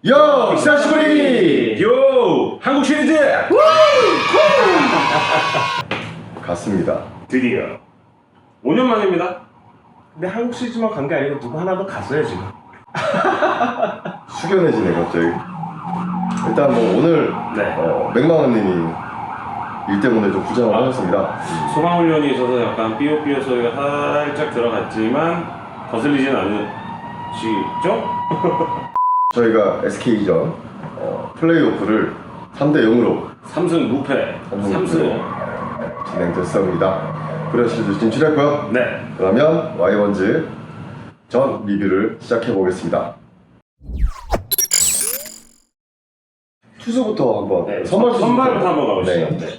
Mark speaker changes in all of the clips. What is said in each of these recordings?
Speaker 1: 요! 시사시부리!
Speaker 2: 요! 한국 시리즈!
Speaker 1: 갔습니다.
Speaker 2: 드디어 5년 만입니다.
Speaker 3: 근데 한국 시리즈만 간 게 아니고 누구 하나 더 갔어요 지금.
Speaker 1: 숙연해지네 갑자기. 일단 뭐 오늘
Speaker 2: 네.
Speaker 1: 맥마원님이 일 때문에 좀 부장을 하셨습니다.
Speaker 2: 소방훈련이 있어서 약간 삐요삐요 소리가 살짝 들어갔지만 거슬리진 않으시죠?
Speaker 1: 저희가 SK전 플레이오프를 3대0으로
Speaker 2: 3승 무패 3승
Speaker 1: 진행됐습니다. 프레시리즈 진출했고요.
Speaker 2: 네.
Speaker 1: 그러면 와이번즈 전 리뷰를 시작해보겠습니다. 투수부터 한번
Speaker 2: 네.
Speaker 1: 선발부터
Speaker 2: 한번 가보시죠.
Speaker 1: 네.
Speaker 2: 네.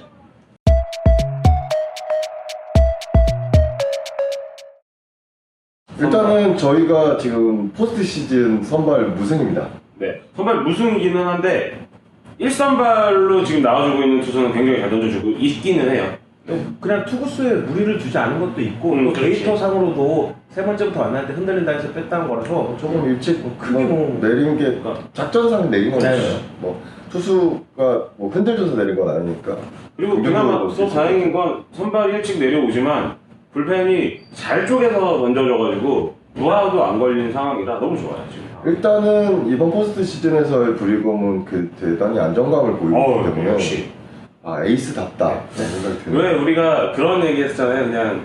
Speaker 1: 일단은 저희가 지금 포스트 시즌 선발 무승입니다.
Speaker 2: 네. 선발 무승이기는 한데 1선발로 지금 나와주고 있는 투수는 굉장히 잘 던져주고 있기는 해요.
Speaker 3: 그냥 투구수에 무리를 두지 않은 것도 있고 또
Speaker 2: 그렇지.
Speaker 3: 데이터 상으로도 세 번째부터 만날 때 흔들린다 해서 뺐다는 거라서
Speaker 1: 조금 일찍
Speaker 3: 크게 뭐
Speaker 1: 내린 게 작전상 내린 건
Speaker 3: 네.
Speaker 1: 뭐 투수가 뭐 흔들려서 내린 건 아니니까.
Speaker 2: 그리고 그나마 또 다행인 건 선발이 일찍 내려오지만 불펜이 잘 쪼개서 던져져가지고 무아도 안 걸린 상황이라 너무 좋아요 지금.
Speaker 1: 일단은 이번 포스트 시즌에서의 브리검은 그 대단히 안정감을 보이고 있기 때문에
Speaker 2: 역시.
Speaker 1: 에이스답다 생각이 드네요.
Speaker 2: 왜 우리가 그런 얘기 했잖아요. 그냥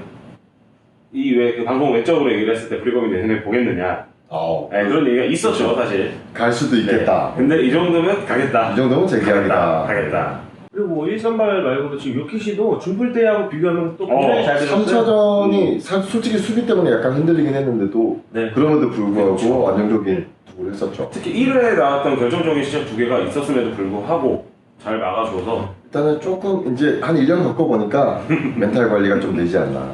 Speaker 2: 이 왜 그 방송 외적으로 얘기를 했을 때 브리검이 내년에 보겠느냐. 네, 그런 얘기가 있었죠 사실.
Speaker 1: 갈 수도 있겠다.
Speaker 2: 네. 근데 이 정도면 가겠다.
Speaker 1: 이 정도면 제 계약이다.
Speaker 2: 가겠다.
Speaker 3: 그리고 뭐 1선발 말고도 지금 요키시도 준플 때하고 비교하면 또 굉장히 잘 되었어요.
Speaker 1: 3차전이 솔직히 수비 때문에 약간 흔들리긴 했는데도
Speaker 3: 네.
Speaker 1: 그럼에도 불구하고
Speaker 2: 그렇죠.
Speaker 1: 안정적인 투구를 했었죠.
Speaker 2: 특히 1회에 나왔던 결정적인 시작 두 개가 있었음에도 불구하고 잘 막아줘서
Speaker 1: 일단은 조금 이제 한 1년 겪어보니까 멘탈 관리가 좀 되지 않나.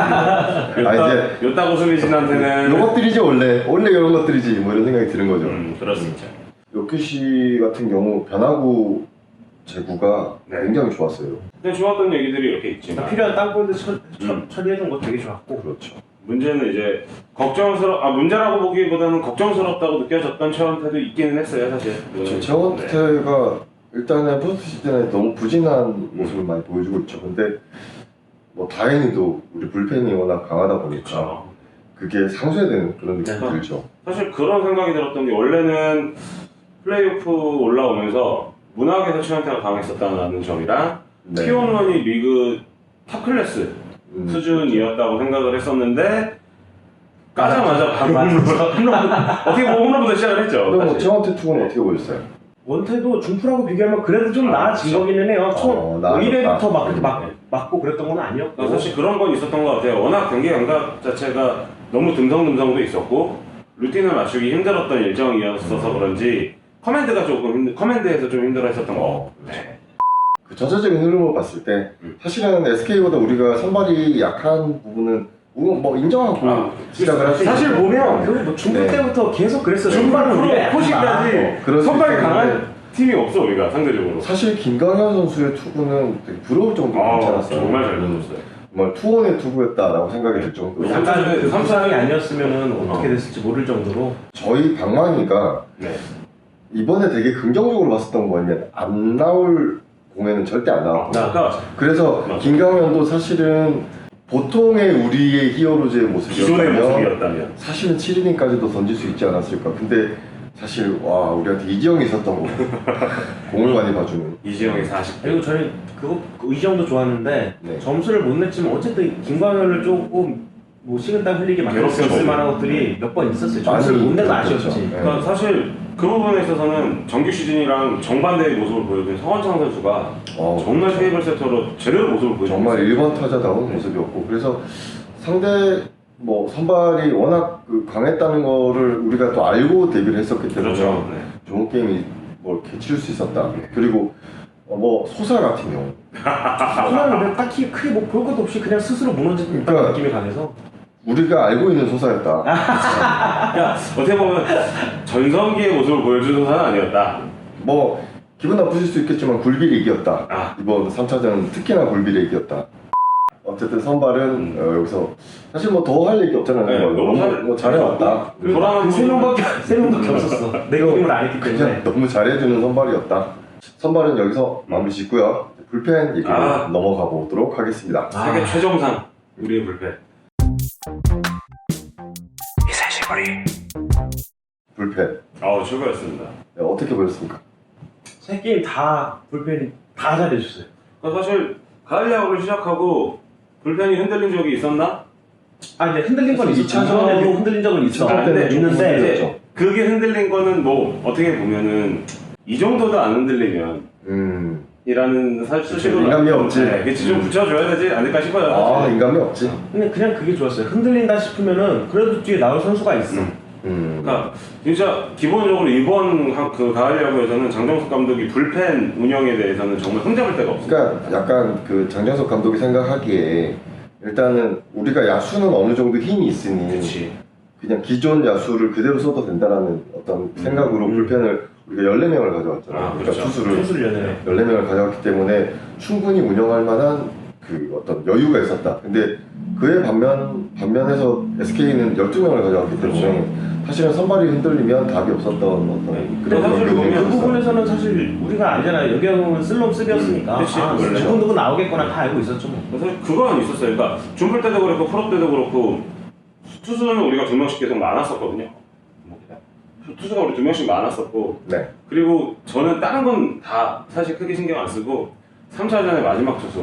Speaker 1: 이제
Speaker 2: 요따 고수미진한테는
Speaker 1: 요것들이지 원래 이런 것들이지 뭐 이런 생각이 드는 거죠.
Speaker 2: 그럴 수 있죠.
Speaker 1: 요키시 같은 경우 변화구 제구가
Speaker 2: 네.
Speaker 1: 굉장히 좋았어요.
Speaker 2: 근데 좋았던 얘기들이 이렇게 있지만
Speaker 3: 필요한 땅볼드 처리해준 거 되게 좋았고.
Speaker 1: 그렇죠.
Speaker 2: 문제는 이제 문제라고 보기보다는 걱정스럽다고 느껴졌던 최원태도 있기는 했어요 사실.
Speaker 1: 최원태가 일단은 포스트 시즌에 너무 부진한 모습을 많이 보여주고 있죠. 근데 뭐 다행히도 우리 불펜이 워낙 강하다 보니까
Speaker 2: 그렇죠.
Speaker 1: 그게 상쇄되는 그런 느낌이
Speaker 3: 네.
Speaker 1: 들죠.
Speaker 2: 사실 그런 생각이 들었던 게 원래는 플레이오프 올라오면서 문학에서 최원태가 강했었다는 점이랑
Speaker 1: 네.
Speaker 2: T1런이 리그 탑 클래스 수준이었다고 생각을 했었는데 까자마자 바로 어떻게 보면 홈런부터 시작을 했죠.
Speaker 1: 그럼 뭐
Speaker 2: 사실.
Speaker 1: 최원태 투구는 어떻게 보셨어요?
Speaker 3: 원태도 준플하고 비교하면 그래도 좀 나아진 거기는 해요. 처음
Speaker 1: 나아졌다.
Speaker 3: 1회부터 막 그렇게 맞고 그랬던 건 아니었고.
Speaker 2: 사실 그런 건 있었던 것 같아요. 워낙 경기 감각 자체가 너무 듬성듬성도 있었고 루틴을 맞추기 힘들었던 일정이었어서 그런지 커맨드에서 좀 힘들어했었던 거. 네.
Speaker 1: 그 전체적인 흐름을 봤을 때 사실은 SK보다 우리가 선발이 약한 부분은 뭐 인정하고 시작을 할수
Speaker 3: 사실
Speaker 1: 있죠.
Speaker 3: 보면 뭐 중국
Speaker 1: 네.
Speaker 3: 때부터 계속 그랬어요. 선발은 우리가 약간
Speaker 2: 포시까지
Speaker 1: 그럴 수
Speaker 2: 선발이
Speaker 1: 있겠는데.
Speaker 2: 강한 팀이 없어 우리가 상대적으로.
Speaker 1: 사실 김강현 선수의 투구는 되게 부러울 정도로 괜찮았어요.
Speaker 2: 정말 잘 던졌어요.
Speaker 1: 정말 투혼의 투구였다라고 생각이 들 정도로
Speaker 3: 약간 그 삼상이 아니었으면
Speaker 1: 어.
Speaker 3: 어떻게 됐을지 모를 정도로.
Speaker 1: 저희 방망이가
Speaker 2: 네.
Speaker 1: 이번에 되게 긍정적으로 봤었던 거 뭐냐면 안 나올 공에는 절대 안 나왔고
Speaker 2: 아까
Speaker 1: 그래서
Speaker 2: 맞아.
Speaker 1: 김강현도 사실은 보통의 우리의 히어로즈의
Speaker 2: 기존의
Speaker 1: 모습이었다면
Speaker 2: 모습이었다면
Speaker 1: 사실은 7이닝까지도 던질 수 있지 않았을까. 근데 사실 와 우리한테 이지영이 있었던 거 공을 많이 봐주는
Speaker 2: 이지영의 40.
Speaker 3: 그리고 저는 그 의정도 좋았는데
Speaker 1: 네.
Speaker 3: 점수를 못 냈지만 어쨌든 김광현을 조금 뭐 식은땀 흘리게 만들 수 있을
Speaker 2: 괴롭혔죠.
Speaker 3: 만한 것들이 몇 번 있었어요. 점수를
Speaker 1: 많이
Speaker 3: 못 내서
Speaker 1: 그렇죠.
Speaker 3: 아쉬웠지.
Speaker 1: 네.
Speaker 2: 그러니까 사실 그 부분에 있어서는 정규 시즌이랑 정반대의 모습을 보여준 성원창 선수가 정말
Speaker 1: 그렇죠.
Speaker 2: 테이블 세터로 제대로 모습을 보여주고
Speaker 1: 정말
Speaker 2: 있어요.
Speaker 1: 1번 타자다운 모습이었고 그래서 상대 뭐 선발이 워낙 그 강했다는 거를 우리가 또 알고 데뷔를 했었기 때문에
Speaker 2: 그렇죠. 네.
Speaker 1: 좋은 게임이 뭐 이렇게 치를 수 있었다. 그리고 뭐 소사 같은 경우
Speaker 3: 소나는 딱히 크게 뭐 볼 것도 없이 그냥 스스로 무너졌다는
Speaker 1: 그러니까
Speaker 3: 느낌이 강해서.
Speaker 1: 우리가 알고 있는 소사였다.
Speaker 2: 그러니까 어떻게 보면 전성기의 모습을 보여준 선수는 아니었다.
Speaker 1: 뭐 기분 나쁘실 수 있겠지만 굴비를 이겼다.
Speaker 2: 아.
Speaker 1: 이번 3차전 특히나 굴비를 이겼다. 어쨌든 선발은 여기서 사실 뭐 더 할 얘기 없잖아요.
Speaker 2: 네,
Speaker 1: 너무 잘해왔다.
Speaker 3: 그 세 명밖에 없었어. 내 게임을 안 했기 때문에.
Speaker 1: 그냥 너무 잘해주는 선발이었다. 선발은 여기서 마무리 짓고요. 불펜 얘기로 넘어가 보도록 하겠습니다.
Speaker 2: 세계 최정상 우리의 불펜. 이사시거리.
Speaker 1: 불펜.
Speaker 2: 최고였습니다.
Speaker 1: 네, 어떻게 보였습니까?
Speaker 3: 세 게임 다 불펜이 다 잘해줬어요.
Speaker 2: 그러니까 사실 가을 야구를 시작하고 불펜이 흔들린 적이 있었나?
Speaker 3: 이제 흔들린 건
Speaker 1: 사실
Speaker 3: 있어.
Speaker 1: 2차전
Speaker 3: 이차전에도 흔들린 적은 있어.
Speaker 1: 때는 좀
Speaker 3: 있는데
Speaker 1: 흔들렸죠.
Speaker 2: 그게 흔들린 거는 뭐 어떻게 보면은 이 정도도 안 흔들리면 이라는 사실로
Speaker 1: 인간미 없지.
Speaker 2: 네, 그치 좀 붙여줘야 되지 않을까 싶어요. 사실.
Speaker 1: 인간미 없지.
Speaker 3: 근데 그냥 그게 좋았어요. 흔들린다 싶으면은 그래도 뒤에 나올 선수가 있어.
Speaker 2: 그러니까 진짜 기본적으로 이번 그 가을 야구에서는 장정석 감독이 불펜 운영에 대해서는 정말 흠잡을 데가 없어요.
Speaker 1: 그러니까 약간 그 장정석 감독이 생각하기에 일단은 우리가 야수는 어느 정도 힘이 있으니
Speaker 2: 그치.
Speaker 1: 그냥 기존 야수를 그대로 써도 된다라는 어떤 생각으로 불펜을 우리가 14명을 가져왔잖아요. 그러니까
Speaker 2: 그렇죠.
Speaker 1: 투수를 14명을 가져왔기 때문에 충분히 운영할 만한 그 어떤 여유가 있었다. 근데 그에 반면에서 SK는 12명을 가져왔기 때문에 사실은 선발이 흔들리면 답이 없었던 어떤
Speaker 3: 근데 사실
Speaker 1: 경기가
Speaker 3: 그
Speaker 1: 있었어요.
Speaker 3: 부분에서는 사실 우리가 알잖아요. 여기하고는 쓸놈 쓰기였으니까.
Speaker 2: 그치, 원래.
Speaker 3: 누구 나오겠거나 다 알고 있었죠 뭐.
Speaker 2: 그래서 그건 있었어요. 그러니까 준플 때도 그렇고 프로 때도 그렇고 투수는 우리가 2명씩 계속 많았었거든요. 투수가 우리 2명씩 많았었고
Speaker 1: 네.
Speaker 2: 그리고 저는 다른 건 다 사실 크게 신경 안 쓰고 3차전의 마지막 투수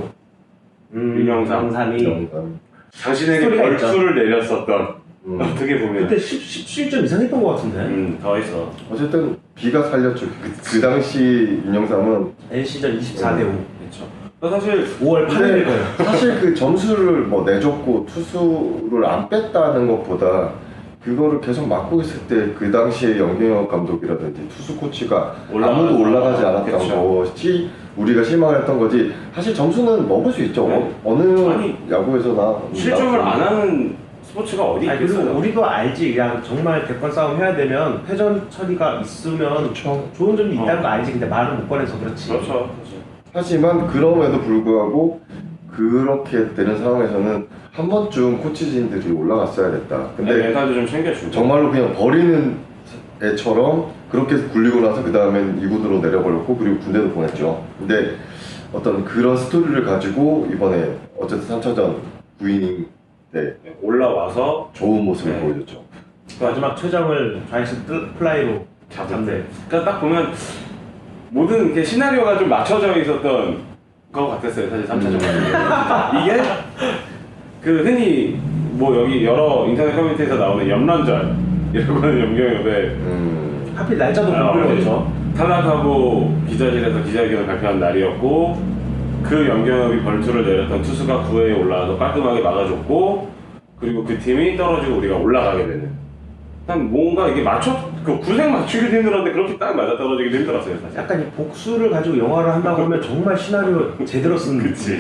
Speaker 2: 윤영삼.
Speaker 3: 영삼이
Speaker 2: 당신에게
Speaker 3: 스토리가 있죠.
Speaker 2: 벌수를 내렸었던 어떻게 보면
Speaker 3: 그때 17점 이상 했던 것 같은데.
Speaker 2: 더 있어.
Speaker 1: 어쨌든 비가 살렸죠. 그 당시 윤영삼은
Speaker 3: NC전 24대 5.
Speaker 2: 그렇죠. 사실
Speaker 3: 5월 8일 거예요.
Speaker 1: 사실 그 점수를 뭐 내줬고 투수를 안 뺐다는 것보다 그거를 계속 맡고 있을 때 그 당시에 영경혁 감독이라든지 투수 코치가 아무도 올라가지 않았던 것이 우리가 실망했던 거지. 사실 점수는 먹을 수 있죠.
Speaker 2: 네.
Speaker 1: 어느 야구에서나
Speaker 2: 실점을 안 하는 스포츠가 어디
Speaker 3: 그리고
Speaker 2: 있겠어요?
Speaker 3: 우리도 알지. 그냥 정말 대권 싸움 해야 되면 패전 처리가 있으면
Speaker 1: 그렇죠.
Speaker 3: 좋은 점이 있다는 거 알지. 근데 말을 못 꺼내서 그렇지.
Speaker 2: 그렇죠.
Speaker 1: 하지만 그럼에도 불구하고 그렇게 되는 상황에서는 한 번쯤 코치진들이 올라갔어야 됐다. 근데
Speaker 2: 멘탈도 좀 챙겨주고
Speaker 1: 정말로 그냥 버리는 애처럼 그렇게 굴리고 나서 그 다음엔 2군으로 내려버렸고 그리고 군대도 보냈죠. 근데 어떤 그런 스토리를 가지고 이번에 어쨌든 3차전 9이닝 때
Speaker 2: 올라와서
Speaker 1: 좋은 모습을
Speaker 2: 네.
Speaker 1: 보여줬죠.
Speaker 3: 마지막 최정을 좌익수 플라이로 잡네.
Speaker 2: 그러니까 딱 보면 모든 게 시나리오가 좀 맞춰져 있었던 것 같았어요. 사실 3차전 이게 그 흔히 뭐 여기 여러 인터넷 커뮤니티에서 나오는 염란절 이라고 하는 영경협에
Speaker 3: 하필 날짜도
Speaker 2: 아,
Speaker 3: 불편했죠.
Speaker 2: 탈락하고 기자실에서 기자회견을 발표한 날이었고 그 영경협이 벌투를 내렸던 투수가 9회에 올라와서 깔끔하게 막아줬고 그리고 그 팀이 떨어지고 우리가 올라가게 되는 난 뭔가 이게 그 구색 맞추기도 힘들었는데 그렇게 딱 맞아 떨어지기도 힘들었어요 사실.
Speaker 3: 약간 이 복수를 가지고 영화를 한다고 하면 정말 시나리오 제대로 쓴
Speaker 2: 그치.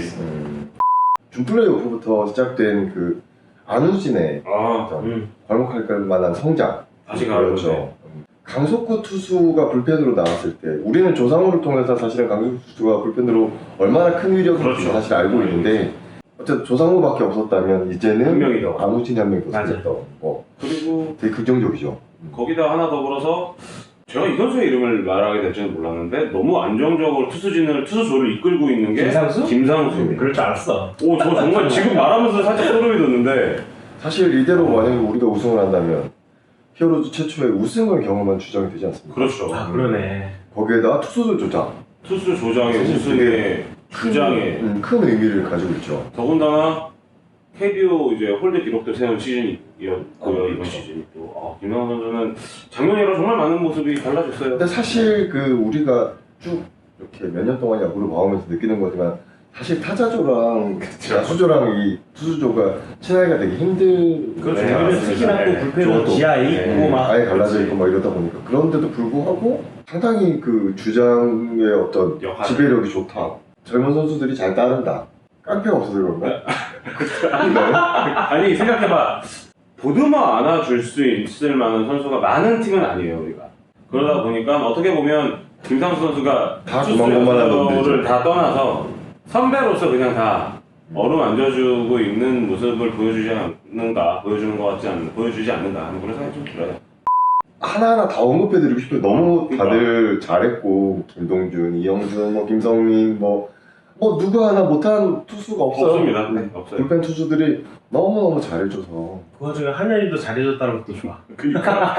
Speaker 1: 준플레이오프부터 시작된 그 안우진의 어떤 괄목할 만한 성장
Speaker 2: 다시
Speaker 1: 그렇죠.
Speaker 2: 가보죠.
Speaker 1: 강속구 투수가 불펜으로 나왔을 때 우리는 조상우를 통해서 사실은 강속구 투수가 불펜으로 얼마나 큰 위력인지
Speaker 2: 그렇죠.
Speaker 1: 사실 알고 있는데 어쨌든 조상우밖에 없었다면
Speaker 2: 한
Speaker 1: 이제는
Speaker 2: 명이 더.
Speaker 1: 안우진이 한 명이 더
Speaker 3: 맞아.
Speaker 1: 생겼다.
Speaker 2: 그리고
Speaker 1: 되게 긍정적이죠.
Speaker 2: 거기다 하나 더불어서 제가 이 선수의 이름을 말하게 될지는 몰랐는데 너무 안정적으로 투수조를 이끌고 있는 게
Speaker 3: 김상수?
Speaker 2: 김상수입니다.
Speaker 3: 그럴 줄 알았어.
Speaker 2: 오, 저 정말 지금 말하면서 살짝 소름이 돋는데
Speaker 1: 사실 이대로 만약에 우리가 우승을 한다면 히어로즈 최초의 우승을 경험한 주장이 되지 않습니까?
Speaker 2: 그렇죠.
Speaker 3: 아 그러네.
Speaker 1: 거기에다 투수들 조장
Speaker 2: 투수 조장의
Speaker 1: 사실
Speaker 2: 우승의 주장에
Speaker 1: 큰 의미를 가지고 있죠.
Speaker 2: 더군다나 KBO 이제 홀드 기록도 세운 시즌이었고요 이번 시즌이 또 김상수 선수는 작년이랑 정말 많은 모습이 달라졌어요.
Speaker 1: 근데 사실 그 우리가 쭉 이렇게 몇 년 동안 야구를 봐오면서 느끼는 거지만 사실 타자조랑 야수조랑 이 투수조가 친하기가 되게 힘든
Speaker 3: 그렇죠.
Speaker 2: 네,
Speaker 3: 우리는
Speaker 2: 맞습니다.
Speaker 3: 특히나 또
Speaker 2: 네.
Speaker 3: 불펜은
Speaker 1: 저것도.
Speaker 3: 지하에
Speaker 2: 네.
Speaker 3: 있고 막
Speaker 1: 아예 갈라져
Speaker 2: 그치.
Speaker 1: 있고 막 이러다 보니까 그런데도 불구하고 상당히 그 주장의 어떤
Speaker 2: 역할.
Speaker 1: 지배력이 좋다. 젊은 선수들이 잘 따른다. 깡패가 없어서 그런가?
Speaker 2: 아니 생각해봐 보드만 안아줄 수 있을 만한 선수가 많은 팀은 아니에요 우리가. 그러다 보니까 어떻게 보면 김상수 선수가
Speaker 1: 다 고만고만한 놈들이죠.
Speaker 2: 투수를 다 떠나서 선배로서 그냥 다 어루만져주고 있는 모습을 보여주지 않는가, 보여주지 않는가 하는 그런 생각이 좀 들어요.
Speaker 1: 하나하나 다 언급해드리고 싶어요. 너무 다들 잘했고 김동준, 이영준, 뭐 김성민, 뭐 누구 하나 못한 투수가 없어요.
Speaker 2: 없습니다. 네, 없어요.
Speaker 1: 불펜 투수들이 너무너무 잘해줘서.
Speaker 3: 그 와중에 한현이도 잘해줬다는 것도 좋아.
Speaker 2: 그러니까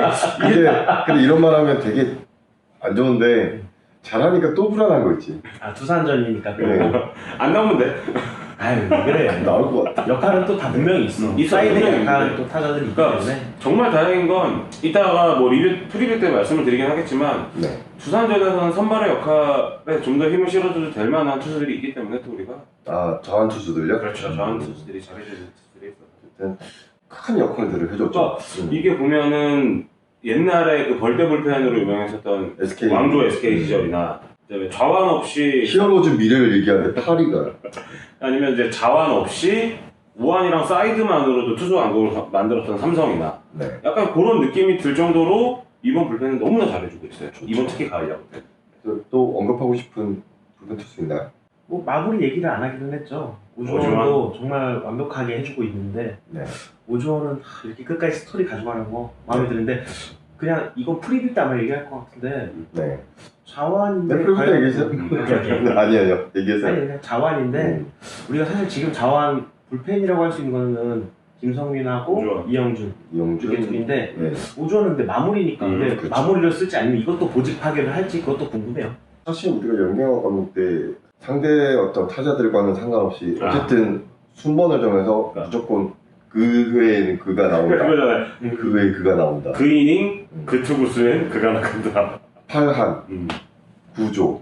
Speaker 1: 근데 이런 말 하면 되게 안 좋은데 잘하니까 또 불안한 거 있지.
Speaker 3: 아 두산전이니까 또.
Speaker 1: 네.
Speaker 2: 안 나오면 돼.
Speaker 3: 아유 왜 그래.
Speaker 1: 나올 것 같아.
Speaker 3: 역할은 또 다 분명히 있어. 이 사이드
Speaker 2: 분명히
Speaker 3: 약간
Speaker 2: 있는데.
Speaker 3: 또 타자들이 있기
Speaker 2: 그러니까
Speaker 3: 때문에.
Speaker 2: 정말 다행인 건 이따가 뭐 프리뷰 때 말씀을 드리긴 하겠지만
Speaker 1: 네.
Speaker 2: 두산전에서는 선발의 역할에 좀 더 힘을 실어줘도 될 만한 투수들이 있기 때문에 또 우리가
Speaker 1: 자완 투수들요?
Speaker 2: 그렇죠. 저한 투수들이 잘해주는 투수들이 있어요.
Speaker 1: 어쨌든 큰 역할들을 해줬죠.
Speaker 2: 그러니까 이게 보면은 옛날에 그 벌떼 불펜으로 유명했었던
Speaker 1: SK
Speaker 2: 왕조 SK 시절이나 그다음에 좌완 없이
Speaker 1: 히어로즈 미래를 얘기하는데 파리가
Speaker 2: 아니면 이제 자완 없이 우완이랑 사이드만으로도 투수 왕국을 만들었던 삼성이나
Speaker 1: 네.
Speaker 2: 약간 그런 느낌이 들 정도로 이번 불펜은 너무나 잘해주고 있어요. 이번 특히 가을 야구 때.
Speaker 1: 또 언급하고 싶은 불펜 투수 있나요?
Speaker 3: 뭐 마무리 얘기를 안 하기는 했죠. 오주원도 정말 완벽하게 해주고 있는데
Speaker 1: 네.
Speaker 3: 오주원은 이렇게 끝까지 스토리 가져가는 거 마음에 드는데 그냥 이건 프리뷰 때 아마 얘기할 것 같은데
Speaker 1: 네.
Speaker 3: 자완인데
Speaker 1: 네, 프리뷰 때 얘기하세요. 아니에요. 얘기하세요.
Speaker 3: 아니 그냥 자완인데 우리가 사실 지금 자완 불펜이라고 할 수 있는 거는 김성민하고
Speaker 2: 오주원.
Speaker 3: 이영준
Speaker 1: 이영준.
Speaker 3: 이게 둘인데
Speaker 1: 네.
Speaker 3: 오주원은 근데 마무리니까 근데
Speaker 1: 그렇죠.
Speaker 3: 마무리를 쓸지 아니면 이것도 보직 파괴를 할지 그것도 궁금해요.
Speaker 1: 사실 우리가 연경화 감독 때 상대 어떤 타자들과는 상관없이 어쨌든 순번을 정해서 무조건 그 회에는 그가 나온다.
Speaker 2: 그거잖아요.
Speaker 1: 그 회에 그가 나온다.
Speaker 2: 그 이닝, 그 투구수엔 그가 나간다.
Speaker 1: 8한 9조.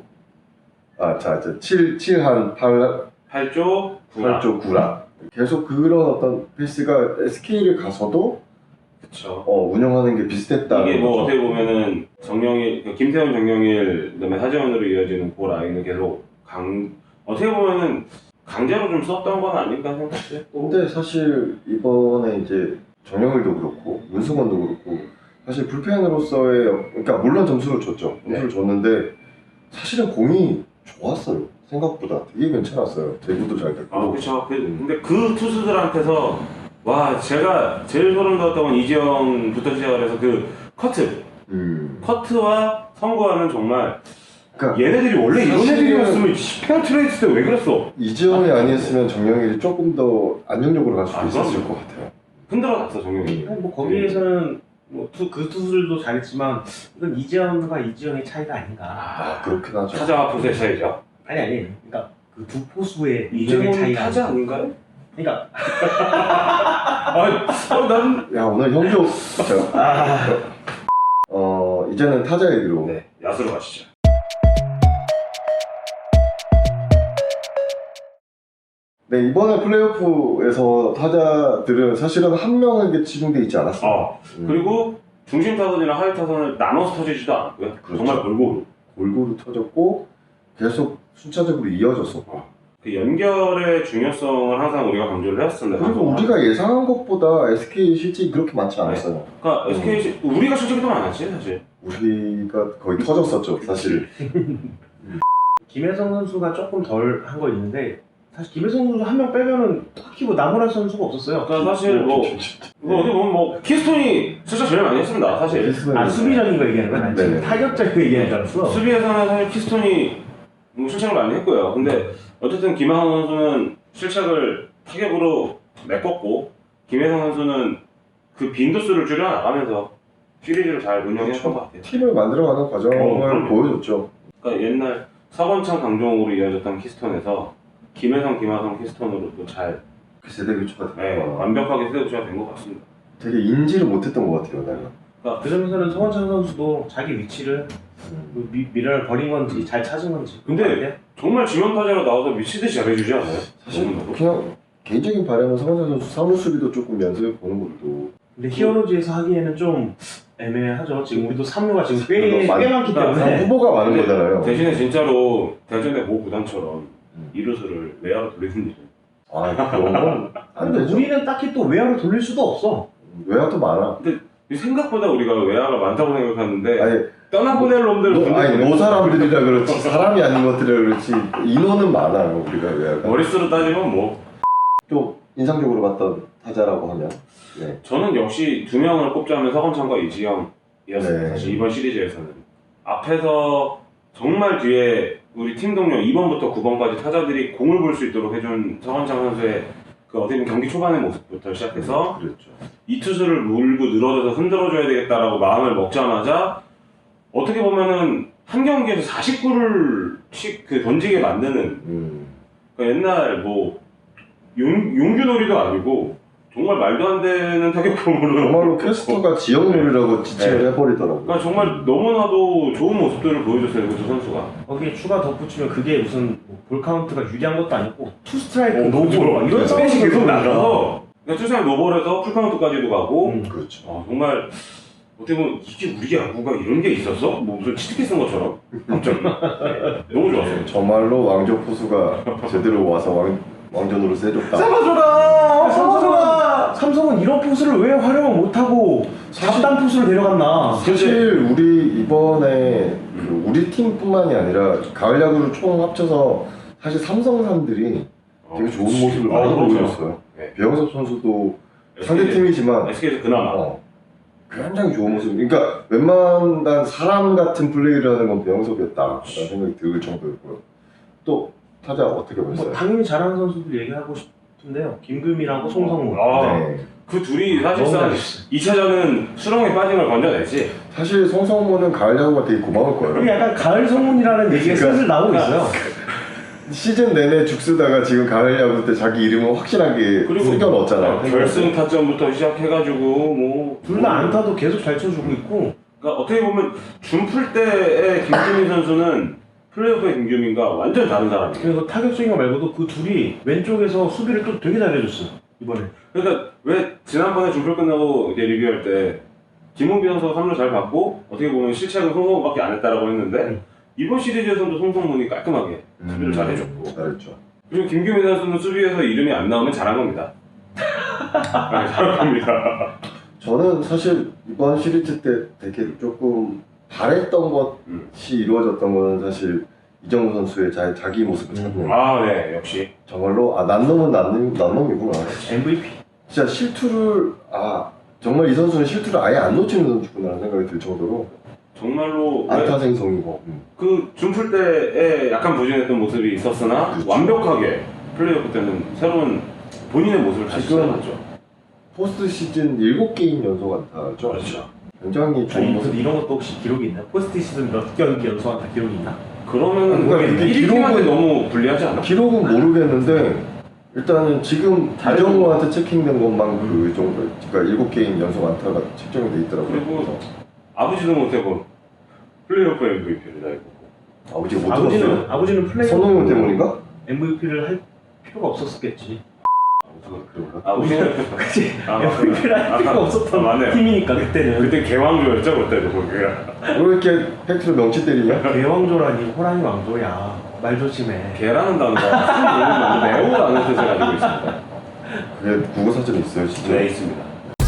Speaker 1: 자 7한
Speaker 2: 8조 9라.
Speaker 1: 8조 9라. 계속 그런 어떤 페이스가 SK를 가서도
Speaker 2: 그쵸.
Speaker 1: 운영하는 게 비슷했다.
Speaker 2: 이게 뭐 어떻게 보면은 김태훈, 정영일, 그다음에 하재원으로 이어지는 그 라인을 계속 어떻게 보면은 강제로 좀 썼던 건 아닌가 생각해요.
Speaker 1: 근데 사실 이번에 이제 정영일도 그렇고 문승원도 그렇고 사실 불펜으로서의 그러니까 물론 점수를 줬죠. 점수를 줬는데 사실은 공이 좋았어요. 생각보다 되게 괜찮았어요. 대구도 잘 됐고.
Speaker 2: 아 그쵸. 근데 그 투수들한테서 와 제가 제일 소름 돋았던 건 이지영부터 시작을 해서 그 커트와 선구하는 정말
Speaker 1: 그러니까
Speaker 2: 얘네들이 원래 이런
Speaker 1: 사실은-
Speaker 2: 애들이었으면 페어 트레이드 때 왜 그랬어?
Speaker 1: 이지원이 아니었으면 정영일이 조금 더 안정적으로 갈 수도
Speaker 2: 아,
Speaker 1: 있었을
Speaker 2: 그럼요.
Speaker 1: 것 같아요.
Speaker 2: 흔들어놨어 정영이.
Speaker 3: 뭐 거기에서는 뭐 그 투수들도 잘했지만 이건 이재현과 이지영의 차이가 아닌가.
Speaker 1: 그렇긴 하죠.
Speaker 2: 타자와 포수의 차이죠.
Speaker 3: 아니 그러니까 그 두 포수의 이정의
Speaker 2: 이재용은
Speaker 3: 차이가
Speaker 2: 타자
Speaker 3: 아닌가.
Speaker 2: 아닌가요?
Speaker 3: 그러니까
Speaker 2: 난
Speaker 1: 야 오늘 형조 이제는 타자 얘기로.
Speaker 2: 네, 야수로 가시죠.
Speaker 1: 네 이번에 플레이오프에서 타자들은 사실은 한 명에게 치중돼 있지 않았어요.
Speaker 2: 그리고 중심 타선이나 하위 타선을 나눠서 터지지도 않았고요.
Speaker 1: 그렇죠.
Speaker 2: 정말 골고루.
Speaker 1: 골고루 터졌고 계속 순차적으로 이어졌었고.
Speaker 2: 그 연결의 중요성을 항상 우리가 강조를 해왔습니다.
Speaker 1: 그리고 우리가 예상한 것보다 SK 실책이 그렇게 많지 않았어요.
Speaker 2: 그러니까 SK 우리가 실책이 더 많았지 사실.
Speaker 1: 우리가 거의 터졌었죠, 사실.
Speaker 3: 김혜성 선수가 조금 덜 한 거 있는데 사실 김혜성 선수 한 명 빼면은 딱히 뭐 나무랄 선수가 없었어요.
Speaker 2: 그러니까 사실 뭐 어디 보면 뭐 키스톤이 실책 제일 많이 했습니다 사실.
Speaker 3: 아 수비적인 거 얘기하는 거야? 난 지금
Speaker 1: 네네.
Speaker 3: 타격적인 거 얘기하는 줄 알았어.
Speaker 2: 수비에서는 사실 키스톤이 뭐 실책을 많이 했고요. 근데 어쨌든 김하성 선수는 실책을 타격으로 메꿨고 김혜성 선수는 그 빈도수를 줄여 나가면서 시리즈를 잘 운영했던 것 같아요.
Speaker 1: 팀을 만들어가는 과정을
Speaker 2: 그럼요.
Speaker 1: 보여줬죠.
Speaker 2: 그러니까 옛날 서건창 강정호로 이어졌던 키스톤에서 김혜성, 김하성 키스톤으로도 잘
Speaker 1: 그 세대 교체가 됐고
Speaker 2: 완벽하게 세대 교체가 된 것 같습니다.
Speaker 1: 되게 인지를 못했던 것 같아요, 내가.
Speaker 3: 그 점에서는 서원창 선수도 자기 위치를 미련을 버린 건지 잘 찾은 건지.
Speaker 2: 근데 정말 지명타자로 나와서 미치듯이 잘해주지 않아요?
Speaker 1: 사실
Speaker 2: 너무나도.
Speaker 1: 그냥 개인적인 바람은 성원재 선수 사무 수비도 조금 연습해 보는 것도.
Speaker 3: 근데 히어로즈에서 하기에는 좀 애매하죠. 지금 우리도 3루가 지금 꽤 많기 때문에.
Speaker 1: 후보가 많은
Speaker 2: 근데
Speaker 1: 거잖아요.
Speaker 2: 대신에 진짜로 대전의 모 구단처럼 이루수를 외야로 돌리는 일은
Speaker 1: 그런 건 안
Speaker 3: 근데
Speaker 1: 되죠.
Speaker 3: 우리는 딱히 또 외야로 돌릴 수도 없어.
Speaker 1: 외야도 많아.
Speaker 2: 생각보다 우리가 외야가 많다고 생각하는데
Speaker 1: 아니
Speaker 2: 떠나보낼 놈들
Speaker 1: 아니 노 사람들이라 그렇지 사람이 아닌 것들이라 그렇지 인원은 많아요 우리가 왜
Speaker 2: 머릿수로 따지면 뭐
Speaker 1: 좀 인상적으로 봤던 타자라고 하면 네.
Speaker 2: 저는 역시 두 명을 꼽자면 서건창과 이지영이었어요.
Speaker 1: 네.
Speaker 2: 사실 이번 시리즈에서는 앞에서 정말 뒤에 우리 팀 동료 2번부터 9번까지 타자들이 공을 볼 수 있도록 해준 서건창 선수의 그 어떻게 보면 경기 초반의 모습부터 시작해서
Speaker 1: 그렇죠.
Speaker 2: 이 투수를 물고 늘어져서 흔들어줘야 되겠다라고 마음을 먹자마자 어떻게 보면은 한 경기에서 49를 그 던지게 만드는 그러니까 옛날 뭐 용규놀이도 아니고 정말 말도 안 되는 타격감으로
Speaker 1: 정말로 캐스터가 지역놀이라고 지칭을
Speaker 2: 네.
Speaker 1: 해버리더라고요.
Speaker 2: 그러니까 정말 너무나도 좋은 모습들을 보여줬어요 그 두 선수가.
Speaker 3: 거기에 추가 덧붙이면 그게 무슨 뭐볼 카운트가 유리한 것도 아니고 투 스트라이크 노볼
Speaker 2: 그렇죠.
Speaker 3: 막 이런
Speaker 2: 스페이스
Speaker 3: 상황에서
Speaker 2: 계속
Speaker 3: 그러니까.
Speaker 2: 나가서 그러니까 투수랑 노볼에서 풀카운트까지도 가고
Speaker 1: 그렇죠.
Speaker 2: 정말 어떻게 보면 이게 우리 야구가 이런 게 있었어? 뭐 무슨 치트키 쓴 것처럼 갑자기 네. 너무 좋았어요.
Speaker 1: 정말로 왕조 포수가 제대로 와서 왕전으로 세줬다.
Speaker 3: 삼성아! 삼성은 이런 포수를 왜 활용을 못하고 잡단 포수를 데려갔나?
Speaker 1: 사실 우리 이번에 그 우리 팀뿐만이 아니라 가을 야구를 총 합쳐서 사실 삼성산들이 되게 좋은 모습을 많이 보여줬어요.
Speaker 2: 네.
Speaker 1: 배영섭 선수도 상대 팀이지만
Speaker 2: SK에서 그나마
Speaker 1: 굉장히 좋은 모습. 그러니까 웬만한 사람 같은 플레이를 건 배영섭이었다라는 생각이 들 정도였고요. 또 타자 어떻게 보셨어요?
Speaker 3: 뭐 당연히 잘하는 선수들 얘기하고 싶은데요. 김금이랑 송성문.
Speaker 1: 네.
Speaker 2: 그 둘이 사실상
Speaker 3: 너무 잘했어요.
Speaker 2: 2차전은 수렁에 빠진 걸 건져냈지.
Speaker 1: 사실 송성문은 가을 야구가 되게 고마울
Speaker 3: 그게
Speaker 1: 거예요.
Speaker 3: 약간 가을 성문이라는 얘기가
Speaker 1: 그러니까-
Speaker 3: 슬슬 나오고 있어요.
Speaker 1: 시즌 내내 죽 쓰다가 지금 가을 야구 때 자기 이름을 확실하게 새겨 넣었잖아요.
Speaker 2: 결승 타점부터 시작해가지고 뭐
Speaker 3: 둘 다 안타도 계속 잘 쳐주고 있고.
Speaker 2: 그러니까 어떻게 보면 준풀 때의 김규민 선수는 플레이오프의 김규민과 완전 다른 사람이에요.
Speaker 3: 그래서 타격적인 거 말고도 그 둘이 왼쪽에서 수비를 또 되게 잘해줬어 이번에.
Speaker 2: 그러니까 왜 지난번에 준풀 끝나고 이제 리뷰할 때 김홍빈 선수가 3루 잘 받고 어떻게 보면 실책은 송성문밖에 안 했다라고 했는데 이번 시리즈에서도 송성문이 깔끔하게 수비를 잘해줬고
Speaker 1: 잘했죠.
Speaker 2: 그리고 김규민 선수는 수비에서 이름이 안 나오면 잘한 겁니다. 네, 잘한 겁니다.
Speaker 1: 저는 사실 이번 시리즈 때 되게 조금 바랬던 것이 이루어졌던 거는 사실 이정우 선수의 자기 모습을 찾는
Speaker 2: 아, 네, 역시.
Speaker 1: 정말로 난 놈은 난 놈이구나.
Speaker 3: MVP.
Speaker 1: 진짜 실투를 정말 이 선수는 실투를 아예 안 놓치는 선수구나라는 생각이 들 정도로
Speaker 2: 정말로
Speaker 1: 안타 생성이고
Speaker 2: 그 준풀 때에 약간 부진했던 모습이 있었으나
Speaker 1: 그렇죠.
Speaker 2: 완벽하게 플레이오프 때는 새로운 본인의 모습을 다시
Speaker 1: 지금
Speaker 2: 찾아놨죠.
Speaker 1: 포스트 시즌 7게임 연속 안타죠.
Speaker 2: 그렇죠.
Speaker 1: 굉장히 좋은 모습.
Speaker 3: 이런 것도 혹시 기록이 있나요? 포스트 시즌 몇 경기 연속한 다 기록이 있나?
Speaker 2: 그러면은
Speaker 1: 그러니까 이게
Speaker 2: 1팀한테
Speaker 1: 기록은-
Speaker 2: 너무 불리하지 않아?
Speaker 1: 기록은 모르겠는데 일단은 지금 이정우한테 체킹된 것만 그 정도. 그러니까 7게임 연속 안타가 책정이 돼 있더라고요.
Speaker 2: 그리고
Speaker 1: 그래서
Speaker 2: 아버지도 못해본 플레이오프 MVP를 다 해보고
Speaker 1: 아버지가 못 들었어요.
Speaker 3: 아버지는 플레이
Speaker 1: 손흥민 때문인가?
Speaker 3: MVP를 할 필요가 없었겠지.
Speaker 1: 그런가?
Speaker 2: 아버지는
Speaker 3: 그치?
Speaker 2: 아,
Speaker 3: MVP를 할 필요가 없었던
Speaker 2: 맞네요.
Speaker 3: 팀이니까 그때는.
Speaker 2: 그때 개왕조였죠 그때도 거기가.
Speaker 1: 왜 이렇게 팩트로 명치 때리냐?
Speaker 3: 대왕조라니 호랑이 왕조야. 말 조심해.
Speaker 2: 개라는 단어가 매우라는 뜻을 가지고 있습니다.
Speaker 1: 그게 국어 사전에 있어요, 진짜.
Speaker 2: 네, 있습니다.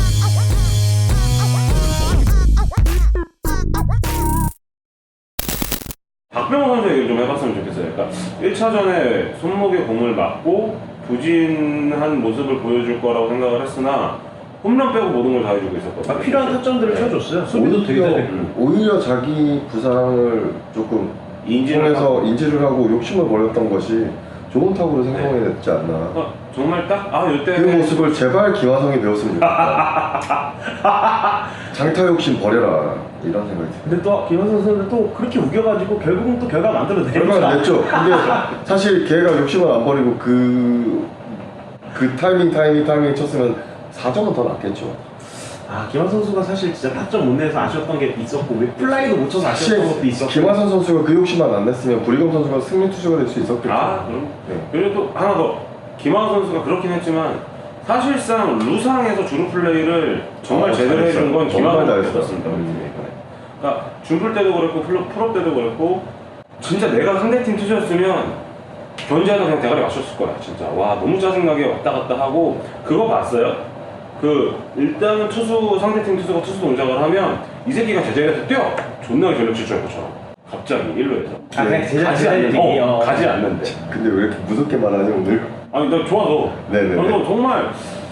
Speaker 2: 박병호 선수 얘기를 좀 해봤으면 좋겠어요. 그러니까 1차전에 손목에 공을 맞고 부진한 모습을 보여줄 거라고 생각을 했으나 홈런 빼고 모든 걸 다 해주고 있었거든요.
Speaker 3: 필요한 타점들을 쳐줬어요. 수비도 되게 잘했고.
Speaker 1: 오히려 자기 부상을 조금
Speaker 2: 인지를
Speaker 1: 통해서 인지를 하고 욕심을 버렸던 것이 좋은 타구로 생성해냈지 않나.
Speaker 2: 그러니까 정말 딱 이때
Speaker 1: 그 모습을 제발 김하성이 배웠으면 좋겠다. 장타 욕심 버려라 이런 생각이 들어요.
Speaker 3: 근데 또 김현선 선수는 또 그렇게 우겨가지고 결국은 또 결과 만들어내니까.
Speaker 1: 결과는 냈죠. 근데 사실 걔가 욕심을 안 버리고 그 타이밍 쳤으면 4점은 더 낫겠죠.
Speaker 3: 김한선 선수가 사실 진짜 타점 못 내서 아쉬웠던 게 있었고 왜 플라이도 못 쳐서
Speaker 1: 사실
Speaker 3: 아쉬웠던 것도 있었고.
Speaker 1: 김하선 선수가 그 욕심만 안 냈으면 부리검 선수가 승리 투수가 될 수 있었겠죠.
Speaker 2: 그럼.
Speaker 1: 네.
Speaker 2: 그리고 또 하나 더 김하우 선수가 그렇긴 했지만 사실상 루상에서 주루 플레이를 정말 제대로
Speaker 1: 잘했어요.
Speaker 2: 해준 건
Speaker 1: 정말
Speaker 2: 김하우
Speaker 1: 잘했어요.
Speaker 2: 선수였습니다. 그러니까 준플 때도 그랬고 프로 때도 그랬고 진짜 내가 상대팀 투수였으면 견제하다 그냥 대가리 맞췄을 거야 진짜. 와 너무 짜증나게 왔다 갔다 하고 그거 봤어요? 일단은 상대팀 투수가 투수 동작을 하면 이 새끼가 제자리에서 뛰어. 존나 전력 질주할 것처럼. 갑자기 1루에서.
Speaker 3: 아 그냥 제자리
Speaker 2: 가지 않는데.
Speaker 3: 어.
Speaker 2: 가지 않는데.
Speaker 1: 근데 왜 이렇게 무섭게 말하니 오늘?
Speaker 2: 아니 나 좋아서.
Speaker 1: 네네네.
Speaker 2: 그래서 정말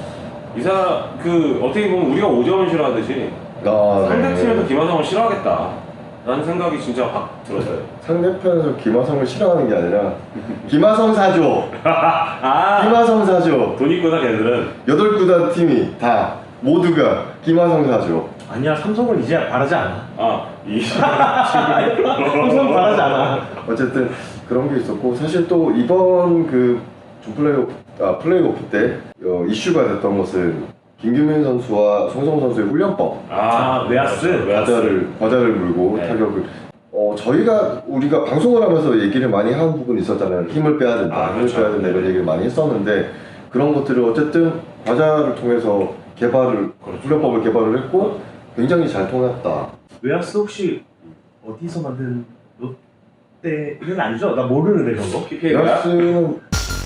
Speaker 2: 어떻게 보면 우리가 오재원 싫어하듯이 상대팀에서 김하성을 싫어하겠다라는 생각이 진짜 확 들었어요.
Speaker 1: 상대편에서 김하성을 싫어하는 게 아니라 김하성 사줘.
Speaker 2: 아
Speaker 1: 김하성 사줘.
Speaker 2: 돈 있구나 걔들은.
Speaker 1: 8구단 팀이 다 모두가 김하성 사줘.
Speaker 3: 아니야 삼성은 이제 바라지 않아. 삼성은 바라지 않아.
Speaker 1: 어쨌든 그런 게 있었고 사실 또 이번 플레이오프 때 이슈가 됐던 것은 김규민 선수와 송성호 선수의 훈련법
Speaker 3: 외야스.
Speaker 1: 과자를 물고
Speaker 3: 네.
Speaker 1: 타격을 우리가 방송을 하면서 얘기를 많이 한 부분이 있었잖아요. 힘을 빼야 된다, 힘을
Speaker 2: 그렇죠.
Speaker 1: 빼야 된다 이런 얘기를 많이 했었는데 그런 것들을 어쨌든 과자를 통해서 훈련법을 개발을 했고 굉장히 잘 통했다.
Speaker 3: 외야스 혹시 어디서 만든 롯데는 아니죠? 나 모르는데 그런 거.
Speaker 2: PPA가
Speaker 1: 야스는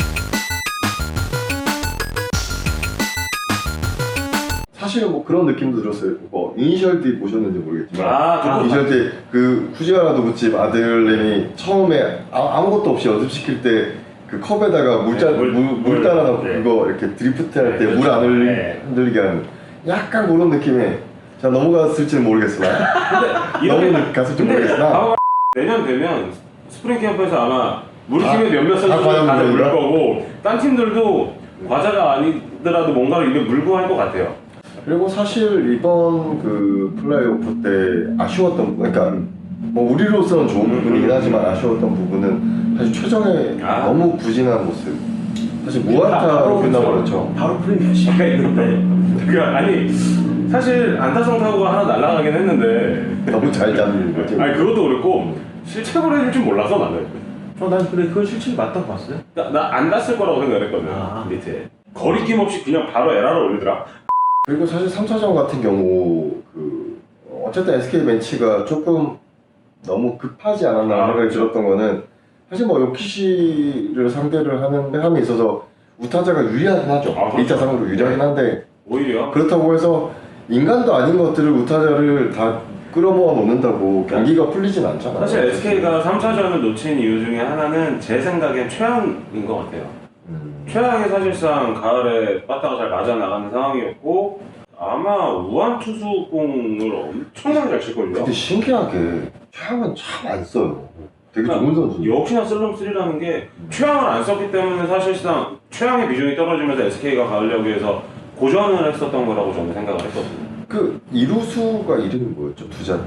Speaker 1: 사실은 뭐 그런 느낌도 들었어요. 뭐 이니셜 D 보셨는지 모르겠지만 이니셜 D 그 후지와라 도부집 아들내미 처음에 아무것도 없이 연습시킬 때 그 컵에다가 물 따라 놓고
Speaker 2: 네.
Speaker 1: 그거 이렇게 드리프트 할 때 물
Speaker 2: 그렇죠.
Speaker 1: 안
Speaker 2: 네.
Speaker 1: 흔들리게 하는 약간 그런 느낌의 자 넘어갔을지는 모르겠으나 너무 갔을지 모르겠으나
Speaker 2: 내년 되면 스프링 캠프에서 아마 우리 팀의 몇몇 선수들
Speaker 1: 과자
Speaker 2: 다들 물
Speaker 1: 물건인가?
Speaker 2: 거고 딴 팀들도 과자가 아니더라도 뭔가를 입에 물고 할 것 같아요.
Speaker 1: 그리고 사실 이번 그 플레이오프 때 아쉬웠던 그러니까 뭐 우리로서는 좋은 부분이긴 하지만 아쉬웠던 부분은 사실 최정의 너무 부진한 모습. 사실 무안타로 끝나버렸죠.
Speaker 3: 바로 프리미어 시가 있는데.
Speaker 2: 그러니까 사실 안타성 타구가 하나 날아가긴 했는데
Speaker 1: 너무 잘 잡는 거지.
Speaker 2: 그것도 그렇고 실책으로 해줄 줄 몰라서 나는.
Speaker 3: 난 그래 그건 실책이 맞다고 봤어요.
Speaker 2: 나 안 났을 거라고 생각했거든. 밑에 거리낌 없이 그냥 바로 에라를 올리더라.
Speaker 1: 그리고 사실 3차전 같은 경우 어쨌든 SK 벤치가 조금 너무 급하지 않았나 생각이 들었던 거는 사실 뭐 요키시를 상대를 함에 있어서 우타자가 유리하긴 하죠. 2타 상으로 유리하긴 한데
Speaker 2: 오히려
Speaker 1: 그렇다고 해서 인간도 아닌 것들을 우타자를 다 끌어모아 놓는다고 경기가 풀리진 않잖아요.
Speaker 2: 사실 SK가 3차전을 놓친 이유 중에 하나는 제 생각엔 최양인 것 같아요. 최양이 사실상 가을에 빠따가 잘 맞아 나가는 상황이었고 아마 우한 투수공을 엄청나게 잘 칠걸요.
Speaker 1: 근데 신기하게 최양은 참 안 써요. 되게 좋은 선수.
Speaker 2: 역시나 슬럼쓰리라는 게 최양을 안 썼기 때문에 사실상 최양의 비중이 떨어지면서 SK가 가을 야구에서 고전을 했었던 거라고 저는 생각을 했거든요.
Speaker 1: 그 이루수가 이름이 뭐였죠? 투자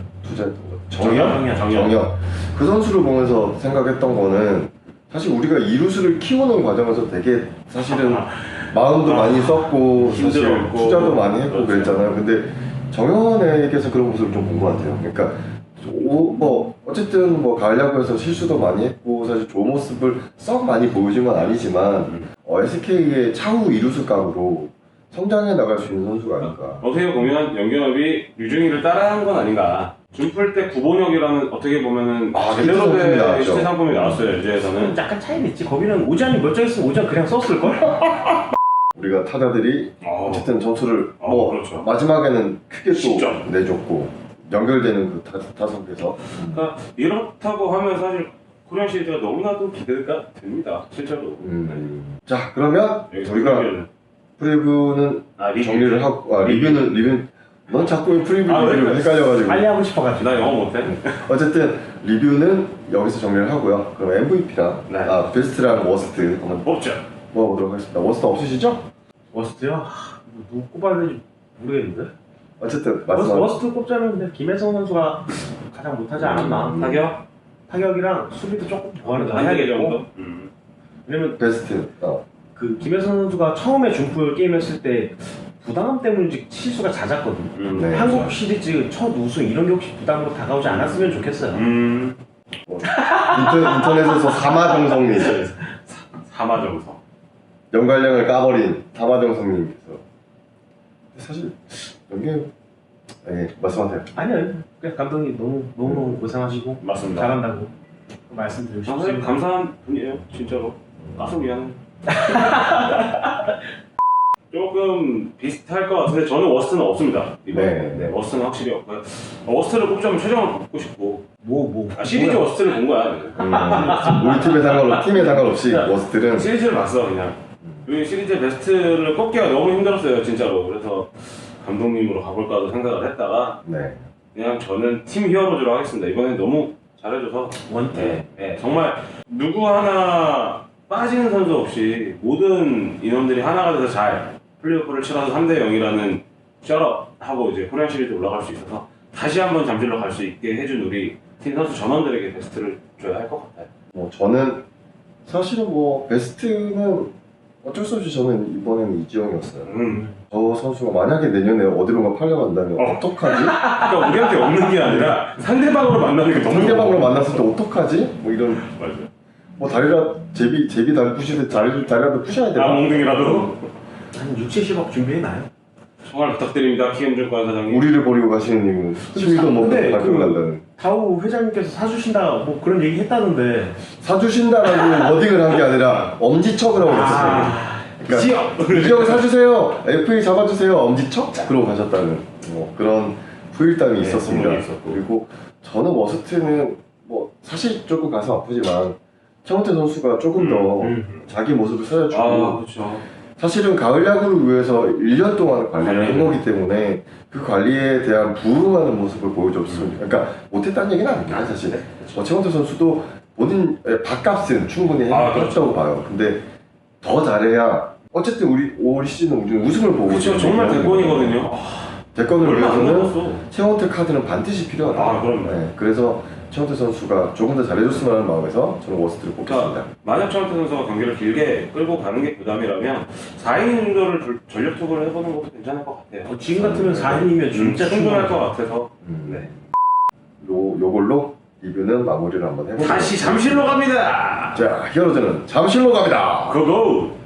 Speaker 2: 정현.
Speaker 1: 그 선수를 보면서 생각했던 거는 사실 우리가 이루수를 키우는 과정에서 되게 사실은 마음도 많이 썼고 사실
Speaker 2: 힘들었고,
Speaker 1: 투자도 많이 했고
Speaker 2: 그렇죠.
Speaker 1: 그랬잖아요. 근데 정현에게서 그런 모습을 좀 본 것 같아요. 그러니까 뭐 어쨌든 뭐 가을 야구에서 실수도 많이 했고 사실 좋은 모습을 썩 많이 보여준 건 아니지만 SK의 차후 이루수 각으로 성장해 나갈 수 있는 선수가 아닌가.
Speaker 2: 어떻게 보면 연경엽이 유중이를 따라한 건 아닌가. 준플 때 구본혁이라는 어떻게 보면은 제대로 된 시대 상품이 나왔어요. LG에서는.
Speaker 3: 약간 차이는 있지. 거기는 오지환이 멀쩡했으면 오지환 그냥 썼을걸?
Speaker 1: 우리가 타자들이 어쨌든 점수를
Speaker 2: 그렇죠.
Speaker 1: 마지막에는 크게 또
Speaker 2: 10점.
Speaker 1: 내줬고 연결되는 그 타석에서
Speaker 2: 그러니까 이렇다고 하면 사실 코리안 시리즈가 너무나도 기대가 됩니다. 실제로.
Speaker 1: 자 그러면
Speaker 2: 여기서
Speaker 1: 우리가 프리뷰는 정리를 하고 리뷰는 넌 자꾸 프리뷰를 헷갈려가지고
Speaker 3: 빨리 하고 싶어가지고.
Speaker 2: 나 영어 못해.
Speaker 1: 어쨌든 리뷰는 여기서 정리를 하고요. 그럼 MVP랑 베스트랑 워스트 한번
Speaker 2: 뽑자.
Speaker 1: 뽑아보도록 하겠습니다. 워스트 없으시죠?
Speaker 3: 워스트요? 누구 꼽아야 되는지 모르겠는데?
Speaker 1: 어쨌든 말씀하세요.
Speaker 3: 워스트 꼽자면 근데 김혜성 선수가 가장 못하지 않았나? 타격이랑 수비도 조금 보완을 더 해야겠고. 왜냐면
Speaker 1: 베스트
Speaker 3: 그 김혜성 선수가 처음에 중풀 게임 했을 때 부담감 때문인지 실수가 잦았거든.
Speaker 1: 네.
Speaker 3: 한국 시리즈 첫 우승 이런 게 혹시 부담으로 다가오지 않았으면 좋겠어요.
Speaker 1: 인터넷에서 사마정성님
Speaker 2: 사마정성.
Speaker 1: 연관량을 까버린 사마정성님께서 사실 연계 말씀하세요.
Speaker 3: 아니요, 그냥 감독님 너무 고생하시고
Speaker 2: 맞습니다.
Speaker 3: 잘한다고 말씀드리고 싶습니다.
Speaker 2: 감사한 분이에요, 진짜로. 깜짝 미안해. 조금 비슷할 것 같은데 저는 워스트는 없습니다. 이번에.
Speaker 1: 네.
Speaker 2: 워스트는 확실히 없고요. 워스트를 꼽자면 최종을 뽑고 싶고 시리즈
Speaker 3: 뭐야?
Speaker 2: 워스트를 본 거야.
Speaker 1: 우리 팀에 상관없이 워스트는
Speaker 2: 시리즈를 봤어 그냥. 이 시리즈 베스트를 꼽기가 너무 힘들었어요 진짜로. 그래서 감독님으로 가볼까도 생각을 했다가
Speaker 1: 네.
Speaker 2: 그냥 저는 팀 히어로즈로 하겠습니다. 이번엔 너무 잘해줘서
Speaker 3: 원태.
Speaker 2: 네, 정말 누구 하나 빠지는 선수 없이 모든 인원들이 하나가 돼서 잘 플레이오프를 치러서 3대 0이라는 셔럽하고 이제 코리안 시리즈 올라갈 수 있어서 다시 한번 잠실로 갈 수 있게 해준 우리 팀 선수 전원들에게 베스트를 줘야 할 것 같아요.
Speaker 1: 저는 사실은 베스트는 어쩔 수 없이 저는 이번에는 이지영이었어요. 저 선수가 만약에 내년에 어디론가 팔려간다면 어떡하지?
Speaker 2: 그러니까 우리한테 없는 게 아니라 상대방으로 만나는 게 너무
Speaker 1: 상대방으로 만났을 때 어떡하지? 이런
Speaker 2: 맞아요.
Speaker 1: 다리라 제비 다리 부시듯 다리라도 부셔야 되나?
Speaker 2: 몽둥이라도
Speaker 3: 한 6, 70억 준비해놔요.
Speaker 2: 정말 부탁드립니다. 키움증권 사장님.
Speaker 1: 우리를 버리고 가시는 이유는 수위도 못
Speaker 3: 근데
Speaker 1: 가지고 간다는
Speaker 3: 다우 회장님께서 사주신다 뭐 그런 얘기 했다는데
Speaker 1: 사주신다라고 워딩을 한 게 아니라 엄지척을 하고 갔어요. 그러니까 이지영 사주세요. FA 잡아주세요. 엄지척? 그러고 가셨다는 그런 후일담이 있었습니다.
Speaker 2: 소문이 있었고.
Speaker 1: 그리고 저는 워스트는 사실 조금 가슴 아프지만 최원태 선수가 조금 더 자기 모습을 살려주고
Speaker 2: 그렇죠.
Speaker 1: 사실은 가을 야구를 위해서 1년 동안 관리를 한 거기 때문에 그 관리에 대한 부응하는 모습을 보여줬으면 그러니까 못했다는 얘기는 아닙니다 사실. 최원태 선수도 본인 밥값은 충분히 했다고 봐요. 근데 더 잘해야 어쨌든 올 시즌은 우리는 우승을 보고
Speaker 2: 그렇죠. 정말 대권이거든요.
Speaker 1: 대권을
Speaker 2: 얼마 안
Speaker 1: 위해서는
Speaker 2: 남았어.
Speaker 1: 최원태 카드는 반드시 필요하다.
Speaker 2: 그럼요.
Speaker 1: 그래서 최원태 선수가 조금 더 잘해줬으면 하는 마음에서 저는 워스트를 뽑겠습니다.
Speaker 2: 만약 최원태 선수가 경기를 길게 끌고 가는 게 부담이라면 4이닝 정도를 전력 투구를 해보는 것도 괜찮을 것 같아요.
Speaker 3: 지금 같으면 4인이면 진짜
Speaker 2: 충분할 것 같아서.
Speaker 1: 네. 요걸로 리뷰는 마무리를 한번 해볼게요.
Speaker 2: 다시 잠실로 갑니다.
Speaker 1: 자, 히어로즈는 잠실로 갑니다.
Speaker 2: 고고.